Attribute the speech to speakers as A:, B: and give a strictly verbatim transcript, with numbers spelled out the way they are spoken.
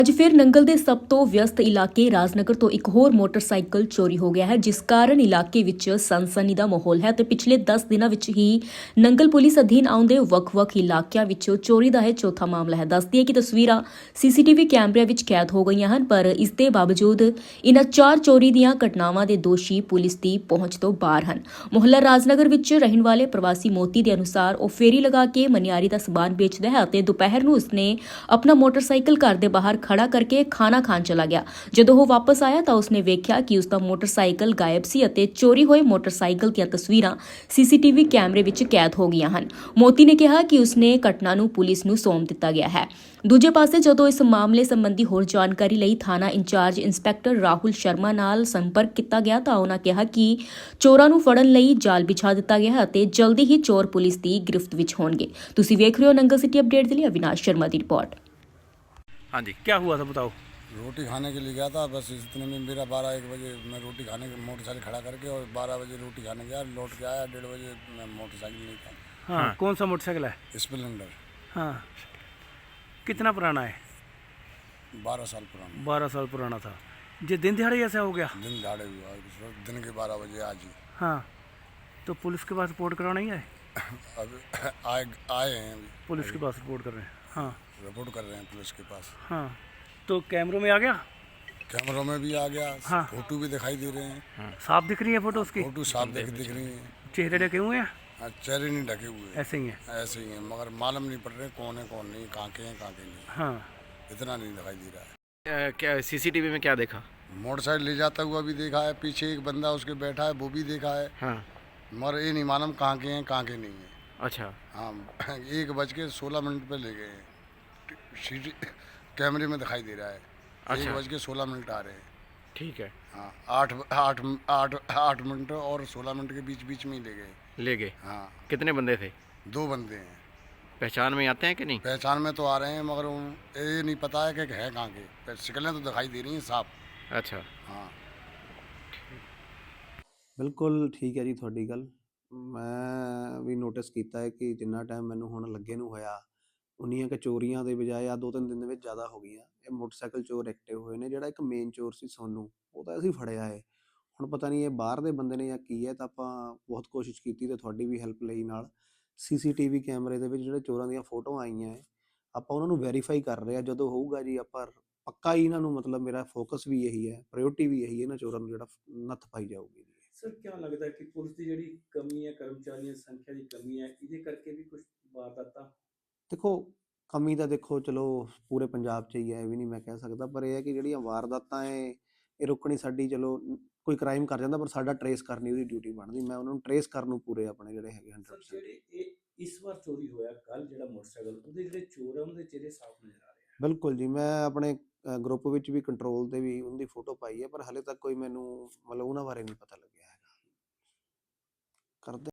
A: ਅੱਜ ਫਿਰ ਨੰਗਲ ਦੇ ਸਭ ਤੋਂ ਵਿਅਸਤ ਇਲਾਕੇ ਰਾਜਨਗਰ ਤੋਂ ਇੱਕ ਹੋਰ ਮੋਟਰਸਾਈਕਲ ਚੋਰੀ ਹੋ ਗਿਆ ਹੈ, ਜਿਸ ਕਾਰਨ ਇਲਾਕੇ ਵਿੱਚ ਸਨਸਨੀ ਦਾ ਮਾਹੌਲ ਹੈ ਤੇ ਪਿਛਲੇ ਦਸ ਦਿਨਾਂ ਵਿੱਚ ਹੀ ਨੰਗਲ ਪੁਲਿਸ ਅਧੀਨ ਆਉਂਦੇ ਵੱਖ-ਵੱਖ ਇਲਾਕਿਆਂ ਵਿੱਚ ਚੋਰੀ ਦਾ ਇਹ ਚੌਥਾ ਮਾਮਲਾ ਹੈ। ਦੱਸਦੀ ਹੈ ਕਿ ਤਸਵੀਰਾਂ ਸੀਸੀਟੀਵੀ ਕੈਮਰਿਆਂ ਵਿੱਚ ਕੈਦ ਹੋ ਗਈਆਂ ਹਨ, ਪਰ ਇਸ ਦੇ ਬਾਵਜੂਦ ਇਨ੍ਹਾਂ ਚਾਰ ਚੋਰੀ ਦੀਆਂ ਘਟਨਾਵਾਂ ਦੇ ਦੋਸ਼ੀ ਪੁਲਿਸ ਦੀ ਪਹੁੰਚ ਤੋਂ ਬਾਹਰ ਹਨ। ਮੁਹੱਲਾ ਰਾਜਨਗਰ ਵਿੱਚ ਰਹਿਣ ਵਾਲੇ ਪ੍ਰਵਾਸੀ ਮੋਤੀ ਦੇ ਅਨੁਸਾਰ ਉਹ ਫੇਰੀ ਲਗਾ ਕੇ ਮਨਿਆਰੀ ਦਾ ਸਮਾਨ ਵੇਚਦਾ ਹੈ ਅਤੇ ਦੁਪਹਿਰ ਨੂੰ ਉਸਨੇ ਆਪਣਾ ਮੋਟਰਸਾਈਕਲ ਘਰ ਦੇ ਬਾਹਰ ਖੜਾ ਕਰਕੇ ਖਾਣਾ ਖਾਣ ਚਲਾ ਗਿਆ। ਜਦੋਂ ਉਹ ਵਾਪਸ ਆਇਆ ਤਾਂ ਉਸਨੇ ਵੇਖਿਆ ਕਿ ਉਸਦਾ ਮੋਟਰਸਾਈਕਲ ਗਾਇਬ ਸੀ ਅਤੇ ਚੋਰੀ ਹੋਏ ਮੋਟਰਸਾਈਕਲ ਦੀਆਂ ਤਸਵੀਰਾਂ ਸੀਸੀਟੀਵੀ ਕੈਮਰੇ ਵਿੱਚ ਕੈਦ ਹੋ ਗਈਆਂ ਹਨ। ਮੋਤੀ ਨੇ ਕਿਹਾ ਕਿ ਉਸਨੇ ਘਟਨਾ ਨੂੰ ਪੁਲਿਸ ਨੂੰ ਸੌਂਪ ਦਿੱਤਾ ਗਿਆ ਹੈ। ਦੂਜੇ ਪਾਸੇ ਜਦੋਂ ਇਸ ਮਾਮਲੇ ਸੰਬੰਧੀ ਹੋਰ ਜਾਣਕਾਰੀ ਲਈ ਥਾਣਾ ਇੰਚਾਰਜ ਇੰਸਪੈਕਟਰ ਰਾਹੁਲ ਸ਼ਰਮਾ ਨਾਲ ਸੰਪਰਕ ਕੀਤਾ ਗਿਆ ਤਾਂ ਉਹਨਾਂ ਕਿਹਾ ਕਿ ਚੋਰਾਂ ਨੂੰ ਫੜਨ ਲਈ ਜਾਲ ਵਿਛਾ ਦਿੱਤਾ ਗਿਆ ਹੈ ਅਤੇ ਜਲਦੀ ਹੀ ਚੋਰ ਪੁਲਿਸ ਦੀ ਗਿਰਫਤ ਵਿੱਚ ਹੋਣਗੇ। ਤੁਸੀਂ ਵੇਖ ਰਹੇ ਹੋ ਨੰਗਲ ਸਿਟੀ ਅਪਡੇਟ ਦੇ ਲਈ ਅਵਿਨਾਸ਼ ਸ਼ਰਮਾ ਦੀ ਰਿਪੋर्ट।
B: हाँ जी, क्या हुआ था बताओ।
C: रोटी खाने के लिए गया था, बस इतने में मेरा बारह एक बजे मैं रोटी खाने के मोटरसाइकिल खड़ा करके और बारह बजे रोटी खाने गया, लौट के आया डेढ़ बजे मैं मोटरसाइकिल नहीं था।
B: हाँ, हाँ। कौन सा मोटरसाइकिल है?
C: स्प्लेंडर।
B: हाँ, कितना पुराना है?
C: बारह साल पुराना।
B: बारह साल पुराना था। ये दिन दिहाड़े ऐसा हो गया?
C: दिन दिहाड़े हुआ, दिन के बारह बजे आज ही।
B: हाँ, तो पुलिस के पास रिपोर्ट कराना ही है?
C: अब आए आए हैं अभी
B: पुलिस के पास रिपोर्ट कर रहे हैं। हाँ,
C: रिपोर्ट कर रहे हैं पुलिस के पास।
B: हाँ, तो कैमरों में आ गया?
C: कैमरों में भी आ गया।
B: हाँ।
C: फोटो भी दिखाई दे रहे हैं।
B: हाँ। साफ दिख रही है फोटो उसकी?
C: फोटो साफ दिख दिख रही है।
B: चेहरे ढके हुए हैं?
C: हाँ, चेहरे नहीं ढके हुए हैं।
B: ऐसे ही है?
C: ऐसे ही हैं, मगर मालूम नहीं पड़ रहे कौन है कौन नहीं, कहाँ के हैं कहाँ के नहीं।
B: हाँ,
C: इतना नहीं दिखाई दे रहा है।
D: अ, क्या सीसीटीवी में क्या देखा?
C: मोटरसाइकिल ले जाता हुआ भी देखा है, पीछे एक बंदा उसके बैठा है वो भी देखा है,
D: हाँ,
C: मगर ये नहीं मालूम कहाँ के हैं कहाँ के नहीं है।
D: अच्छा।
C: हाँ, एक बज के सोलह मिनट पे ले गए हैं, सीटी कैमरे में दिखाई दे रहा है।
D: अच्छा।
C: एक बज के सोलह मिनट आ रहे हैं।
D: ठीक है,
C: हाँ, आठ आठ आठ आठ मिनट और सोलह मिनट के बीच बीच में ही ले गए।
D: ले गए।
C: हाँ,
D: कितने बंदे थे?
C: दो बंदे हैं।
D: पहचान में आते हैं कि नहीं?
C: पहचान में तो आ रहे हैं, मगर उन- ये नहीं पता है कि है कहाँ के, शिकलें तो दिखाई दे रही हैं साफ।
D: अच्छा।
C: हाँ,
E: ਬਿਲਕੁਲ ਠੀਕ ਹੈ ਜੀ ਤੁਹਾਡੀ ਗੱਲ। ਮੈਂ ਵੀ ਨੋਟਿਸ ਕੀਤਾ ਹੈ ਕਿ ਜਿੰਨਾ ਟਾਈਮ ਮੈਨੂੰ ਹੁਣ ਲੱਗੇ ਨੂੰ ਹੋਇਆ, ਉਨੀਆਂ ਕੁ ਚੋਰੀਆਂ ਦੇ ਬਜਾਏ ਆ ਦੋ ਤਿੰਨ ਦਿਨ ਦੇ ਵਿੱਚ ਜ਼ਿਆਦਾ ਹੋ ਗਈਆਂ। ਇਹ ਮੋਟਰਸਾਈਕਲ ਚੋਰ ਐਕਟਿਵ ਹੋਏ ਨੇ। ਜਿਹੜਾ ਇੱਕ ਮੇਨ ਚੋਰ ਸੀ ਸੋਨੂੰ, ਉਹ ਤਾਂ ਅਸੀਂ ਫੜਿਆ ਹੈ। ਹੁਣ ਪਤਾ ਨਹੀਂ ਇਹ ਬਾਹਰ ਦੇ ਬੰਦੇ ਨੇ ਜਾਂ ਕੀ ਹੈ, ਤਾਂ ਆਪਾਂ ਬਹੁਤ ਕੋਸ਼ਿਸ਼ ਕੀਤੀ ਤੇ ਤੁਹਾਡੀ ਵੀ ਹੈਲਪ ਲਈ ਨਾਲ ਸੀਸੀਟੀਵੀ ਕੈਮਰੇ ਦੇ ਵਿੱਚ ਜਿਹੜੇ ਚੋਰਾਂ ਦੀਆਂ ਫੋਟੋਆਂ ਆਈਆਂ ਹੈ, ਆਪਾਂ ਉਹਨਾਂ ਨੂੰ ਵੈਰੀਫਾਈ ਕਰ ਰਹੇ ਹਾਂ। ਜਦੋਂ ਹੋਊਗਾ ਜੀ ਆਪਾਂ ਪੱਕਾ ਹੀ ਇਹਨਾਂ ਨੂੰ, ਮਤਲਬ ਮੇਰਾ ਫੋਕਸ ਵੀ ਇਹੀ ਹੈ, ਪ੍ਰਾਇਓਰਟੀ ਵੀ ਇਹੀ ਹੈ, ਇਹਨਾਂ ਚੋਰਾਂ ਨੂੰ ਜਿਹੜਾ ਨੱਥ ਪਾਈ ਜਾਊਗੀ ਜੀ।
F: ਸਰ ਕਿਆ ਲੱਗਦਾ ਹੈ ਕਿ ਪੁਲਿਸ ਦੀ ਜਿਹੜੀ ਕਮੀ ਹੈ, ਕਰਮਚਾਰੀਆਂ ਦੀ ਸੰਖਿਆ ਦੀ ਕਮੀ ਹੈ, ਇਹਦੇ ਕਰਕੇ ਵੀ ਕੁਝ ਵਾਰਦਾਤਾਂ?
E: ਦੇਖੋ ਕਮੀ ਤਾਂ ਦੇਖੋ ਚਲੋ ਪੂਰੇ ਪੰਜਾਬ 'ਚ ਹੀ ਹੈ, ਇਹ ਵੀ ਨਹੀਂ ਮੈਂ ਕਹਿ ਸਕਦਾ, ਪਰ ਇਹ ਹੈ ਕਿ ਜਿਹੜੀਆਂ ਵਾਰਦਾਤਾਂ ਹੈ ਇਹ ਰੋਕਣੀ ਸਾਡੀ, ਚਲੋ ਕੋਈ ਕ੍ਰਾਈਮ ਕਰ ਜਾਂਦਾ ਪਰ ਸਾਡਾ ਟਰੇਸ ਕਰਨੀ ਉਹਦੀ ਡਿਊਟੀ ਬਣਦੀ। ਮੈਂ ਉਹਨਾਂ ਨੂੰ ਟਰੇਸ ਕਰਨ ਨੂੰ ਪੂਰੇ ਆਪਣੇ ਜਿਹੜੇ ਹੈਗੇ
F: ਸਰ
E: ਹੰਡਰਡ ਪਰਸੈਂਟ।
F: ਜਿਹੜੇ ਇਹ ਇਸ ਵਾਰ ਚੋਰੀ ਹੋਇਆ ਕੱਲ ਜਿਹੜਾ ਮੋਟਰਸਾਈਕਲ, ਉਹਦੇ ਜਿਹੜੇ ਚੋਰ ਆ ਉਹਨਾਂ ਦੇ ਚਿਹਰੇ ਸਾਫ਼ ਨਜ਼ਰ ਆ ਰਹੇ ਆ।
E: ਬਿਲਕੁਲ ਜੀ, ਮੈਂ ਆਪਣੇ ਗਰੁੱਪ ਵਿੱਚ ਵੀ ਕੰਟਰੋਲ ਤੇ ਵੀ ਉਹਦੀ ਫੋਟੋ ਪਾਈ ਹੈ, ਪਰ ਹਲੇ ਤੱਕ ਕੋਈ ਮੈਨੂੰ ਮਤਲਬ ਉਹਨਾਂ ਬਾਰੇ ਨਹੀਂ ਪਤਾ ਲੱਗਿਆ ਹੈਗਾ। ਕਰਦੇ